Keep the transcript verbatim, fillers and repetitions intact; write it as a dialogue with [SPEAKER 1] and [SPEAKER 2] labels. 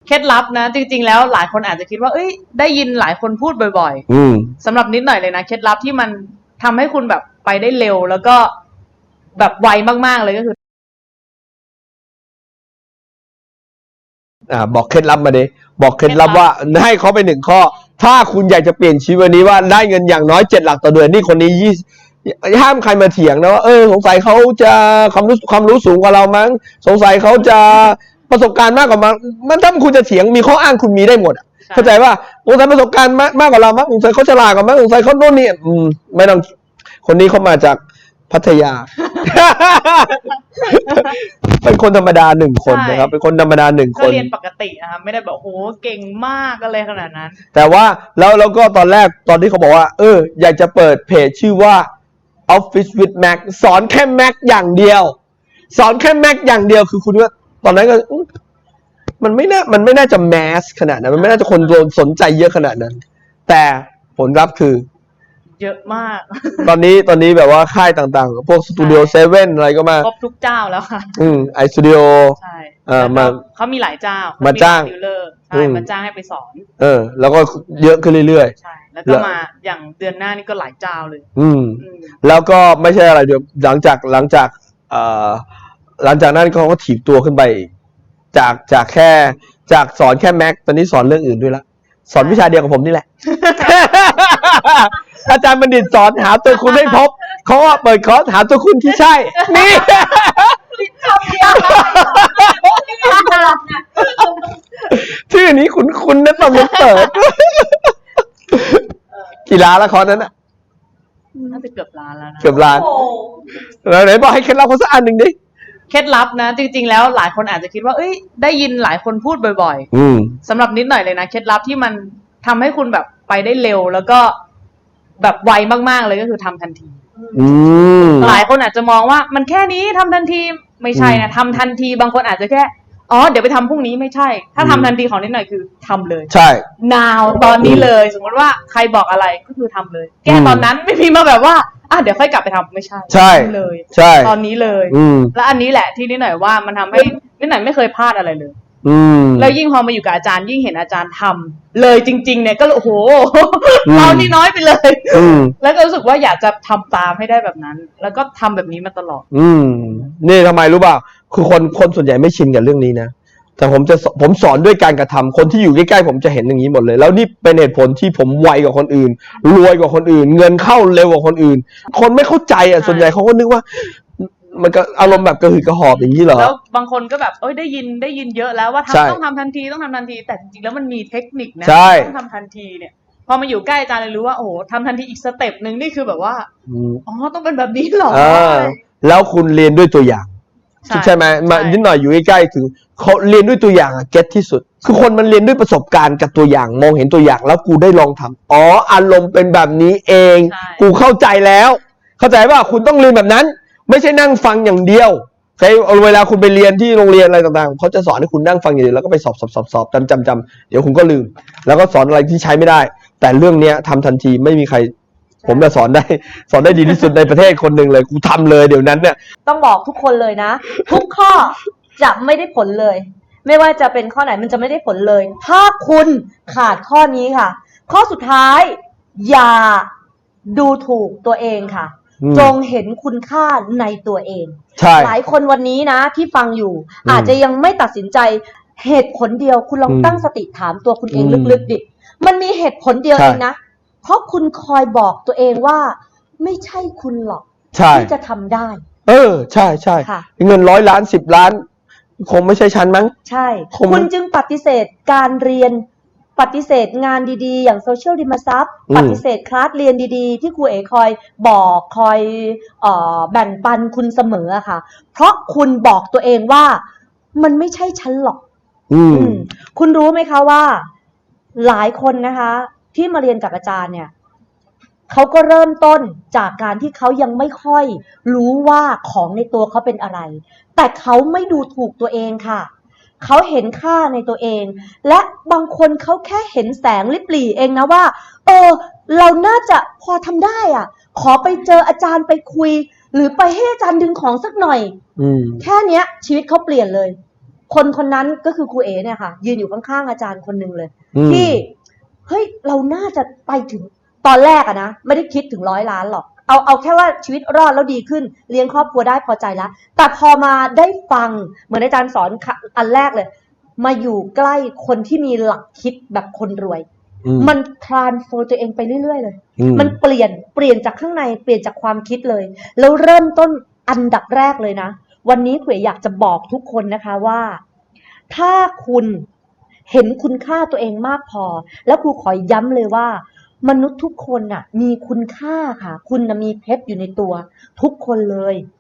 [SPEAKER 1] เคล็ดลับนะจริงๆแล้วหลายคนอาจจะคิดว่าเอ้ยได้ยินหลายคนพูดบ่อย
[SPEAKER 2] อืม
[SPEAKER 1] ๆสำหรับนิดหน่อยเลยนะเคล็ดลับที่มันทำให้คุณแบบไปได้เร็วแล้วก็แบบไวมากๆเลยก็คือ
[SPEAKER 2] อ่าบอกเคล็ดลับมาดิบอกเคล็ดลับว่าให้เขาไปหนึ่งข้อถ้าคุณอยากจะเปลี่ยนชีวิตวันนี้ว่าได้เงินอย่างน้อยเจ็ดหลักต่อเดือนนี่คนนี้ยี่ห้ามใครมาเถียงนะว่าเออสงสัยเขาจะความรู้ความรู้สูงกว่าเรามั้งสงสัยเขาจะประสบการณ์มากกว่ามั้งมันถ้าคุณจะเถียงมีข้ออ้างคุณมีได้หมดเข้าใจว่าสงสัยประสบการณ์มากมากกว่าเรามั้งสงสัยเขาฉลาดกว่ามั้งสงสัยเขาโน่นนี่อืมไม่ต้องคนนี้เขามาจากพัทยา เป็นคนธรรมดาหนึ่งคนนะครับเป็นคนธรรมดาหนึ่งค
[SPEAKER 1] ก็
[SPEAKER 2] น
[SPEAKER 1] เรียนปกตินะคะไม่ได้แบบโหเก่งมากอะไรขนาดนั้น
[SPEAKER 2] แต่ว่าแล้วแล้วก็ตอนแรกตอนที่เขาบอกว่าเอออยากจะเปิดเพจชื่อว่า Office with Mac สอนแค่ Mac อย่างเดียวสอนแค่ Mac อย่างเดียวคือคุณว่าตอนนั้นก็มันไม่น่ามันไม่น่าจะแมสขนาดนั้นมันไม่น่าจะคนโดนสนใจเยอะขนาดนั้นแต่ผลลัพธ์คือ
[SPEAKER 1] เยอะมาก
[SPEAKER 2] ตอนนี้ตอนนี้แบบว่าค่ายต่างๆพวกสตูดิโอเซเว่นอะไรก็มา
[SPEAKER 1] ครบทุกเจ้าแล้วค่ะ
[SPEAKER 2] อืมไอสตูดิโอ
[SPEAKER 1] ใช่
[SPEAKER 2] เออมา
[SPEAKER 1] เขามีหลายเจ้า
[SPEAKER 2] มาจ้าง
[SPEAKER 1] ดิวเลอร์ใช่มาจ้างให้ไปสอน
[SPEAKER 2] เออแล้วก็เยอะขึ้นเรื่อย
[SPEAKER 1] ๆใช่แล้วก็มาอย่างเดือนหน้านี่ก็หลายเจ้าเลย
[SPEAKER 2] อืมแล้วก็ไม่ใช่อะไรเดี๋ยวหลังจากหลังจากเอ่อหลังจากนั้นเขาก็ถีบตัวขึ้นไปจากจากแค่จากสอนแค่แม็กตอนนี้สอนเรื่องอื่นด้วยละสอนวิชาเดียวกับผมนี่แหละ อาจารย์บัณฑิตสอนหาตัวคุณให้พบเขาว่าเปิดคอร์สหาตัวคุณที่ใช่นี่ชื่อนี้คุณคุณนะตอนมันเปิดกี่ล้านละคอร์สนั้นอ่ะ
[SPEAKER 1] น่าจะเกือบล้านแล้วนะ
[SPEAKER 2] เกือบล้านแล้วไหนบอกให้เคล็ดลับเขาสักอันหนึ่งดิ
[SPEAKER 1] เคล็ดลับนะจริงๆแล้วหลายคนอาจจะคิดว่าเอ้ยได้ยินหลายคนพูดบ่อย
[SPEAKER 2] ๆอืม
[SPEAKER 1] สำหรับนิดหน่อยเลยนะเคล็ดลับที่มันทำให้คุณแบบไปได้เร็วแล้วก็แบบไวมากๆเลยก็คือทำทันทีหลายคนอาจจะมองว่ามันแค่นี้ทำทันทีไม่ใช่นะทำทันทีบางคนอาจจะแค่อ๋อเดี๋ยวไปทำพรุ่งนี้ไม่ใช่ถ้าทำทันทีของนิดหน่อยคือทำเลย
[SPEAKER 2] ใช่
[SPEAKER 1] now ตอนนี้เลยสมมติว่าใครบอกอะไรก็คือทำเลยแก้ตอนนั้นไม่มีมาแบบว่าอ่ะเดี๋ยวค่อยกลับไปทำไม่ใช่
[SPEAKER 2] ใช่
[SPEAKER 1] เลย
[SPEAKER 2] ใช่
[SPEAKER 1] ตอนนี้เลยและอันนี้แหละที่นิดหน่อยว่ามันทำให้นิดหน่อยไม่เคยพลาดอะไรเลยแล้วยิ่งพอมาอยู่กับอาจารย์ยิ่งเห็นอาจารย์ทำเลยจริงๆเนี่ยก็โอ้โหเรานี่น้อยไปเลยแล้วก็รู้สึกว่าอยากจะทำตามให้ได้แบบนั้นแล้วก็ทำแบบนี้มาตลอด
[SPEAKER 2] อืมนี่ทำไมรู้ป่ะคือคนคนส่วนใหญ่ไม่ชินกับเรื่องนี้นะแต่ผมจะผมสอนด้วยการกระทำคนที่อยู่ใกล้ๆผมจะเห็นอย่างนี้หมดเลยแล้วนี่เป็นเหตุผลที่ผมไวกว่าคนอื่นรวยกว่าคนอื่นเงินเข้าเร็วกว่าคนอื่นคนไม่เข้าใจอ่ะส่วนใหญ่เขาก็นึกว่ามันก็อารมณ์แบบกระหืดกระหอบอย่างนี้เหรอ
[SPEAKER 1] แล้วบางคนก็แบบเอ้ยได้ยินได้ยินเยอะแล้วว่าทำต้องทำทันทีต้องทำทันทีแต่จริงๆแล้วมันมีเทคนิคนะต้องทำทันทีเนี่ยพอมาอยู่ใกล้อาจารย์เลยรู้ว่าโอ้โหทำทันทีอีกสเต็ปหนึ่งนี่คือแบบว่าอ๋อต้องเป็นแบบนี้หรอ
[SPEAKER 2] แล้วคุณเรียนด้วยตัวอย่างใช่ไหมมานิดหน่อยอยู่ใกล้ๆถึงเขาเรียนด้วยตัวอย่างอะเก็ตที่สุดคือคนมันเรียนด้วยประสบการณ์กับตัวอย่างมองเห็นตัวอย่างแล้วกูได้ลองทำอ๋ออารมณ์เป็นแบบนี้เองกูเข้าใจแล้วเข้าใจว่าคุณต้องเรียนแบบนั้นไม่ใช่นั่งฟังอย่างเดียวใช่เวลาคุณไปเรียนที่โรงเรียนอะไรต่างๆเขาจะสอนให้คุณนั่งฟังอย่างเดียวแล้วก็ไปสอบสอบสอบสอบจำจำจำเดี๋ยวคุณก็ลืมแล้วก็สอนอะไรที่ใช้ไม่ได้แต่เรื่องเนี้ยทำทันทีไม่มีใครผมจะสอนได้สอนได้ดีที่สุดในประเทศคนหนึ่งเลยกูทำเลยเดี๋ยวนั้นเนี่ย
[SPEAKER 3] ต้องบอกทุกคนเลยนะทุกข้อจะไม่ได้ผลเลยไม่ว่าจะเป็นข้อไหนมันจะไม่ได้ผลเลยถ้าคุณขาดข้อนี้ค่ะข้อสุดท้ายอย่าดูถูกตัวเองค่ะจงเห็นคุณค่าในตัวเองหลายคนวันนี้นะที่ฟังอยู่อาจจะยังไม่ตัดสินใจเหตุผลเดียวคุณลองตั้งสติถามตัวคุณเองลึกๆดิมันมีเหตุผลเดียวเองนะเพราะคุณคอยบอกตัวเองว่าไม่ใช่คุณหรอกที่จะทำได้
[SPEAKER 2] เออใช่ใช่เงินร้อยล้านสิบล้านคงไม่ใช่ฉันมั้ง
[SPEAKER 3] ใช่คุณจึงปฏิเสธการเรียนปฏิเสธงานดีๆอย่างโซเชียลดิมาซับปฏิเสธคลาสเรียนดีๆที่ครูเอ๋คอยบอกคอยเอ่อแบ่งปันคุณเสมอค่ะเพราะคุณบอกตัวเองว่ามันไม่ใช่ฉันหรอกอืมคุณรู้ไหมคะว่าหลายคนนะคะที่มาเรียนกับอาจารย์เนี่ยเขาก็เริ่มต้นจากการที่เขายังไม่ค่อยรู้ว่าของในตัวเขาเป็นอะไรแต่เขาไม่ดูถูกตัวเองค่ะเขาเห็นค่าในตัวเองและบางคนเขาแค่เห็นแสงลิบหลี่เองนะว่าเออเราน่าจะพอทำได้อ่ะขอไปเจออาจารย์ไปคุยหรือไปให้อาจารย์ดึงของสักหน่อยแค่เนี้ยชีวิตเขาเปลี่ยนเลยคนคนนั้นก็คือครูเอเนี่ยค่ะยืนอยู่ข้างๆอาจารย์คนหนึ่งเลย
[SPEAKER 2] อืม
[SPEAKER 3] ที่เฮ้ยเราน่าจะไปถึงตอนแรกอะนะไม่ได้คิดถึงร้อยล้านหรอกเอาเอาแค่ว่าชีวิตรอดแล้วดีขึ้นเลี้ยงครอบครัวได้พอใจแล้วแต่พอมาได้ฟังเหมือนอาจารย์สอนอันแรกเลยมาอยู่ใกล้คนที่มีหลักคิดแบบคนรวย
[SPEAKER 2] อืม
[SPEAKER 3] มันทรานส์โฟร์ตัวเองไปเรื่อยๆเลย
[SPEAKER 2] อืม
[SPEAKER 3] มันเปลี่ยนเปลี่ยนจากข้างในเปลี่ยนจากความคิดเลย แล้วเริ่มต้นอันดับแรกเลยนะวันนี้ครูอยากจะบอกทุกคนนะคะว่าถ้าคุณเห็นคุณค่าตัวเองมากพอแล้วครูขอย้ำเลยว่ามนุษย์ทุกคนน่ะมีคุณค่าค่ะคุณน่ะมีเพชรอยู่ในตัวทุกคนเลย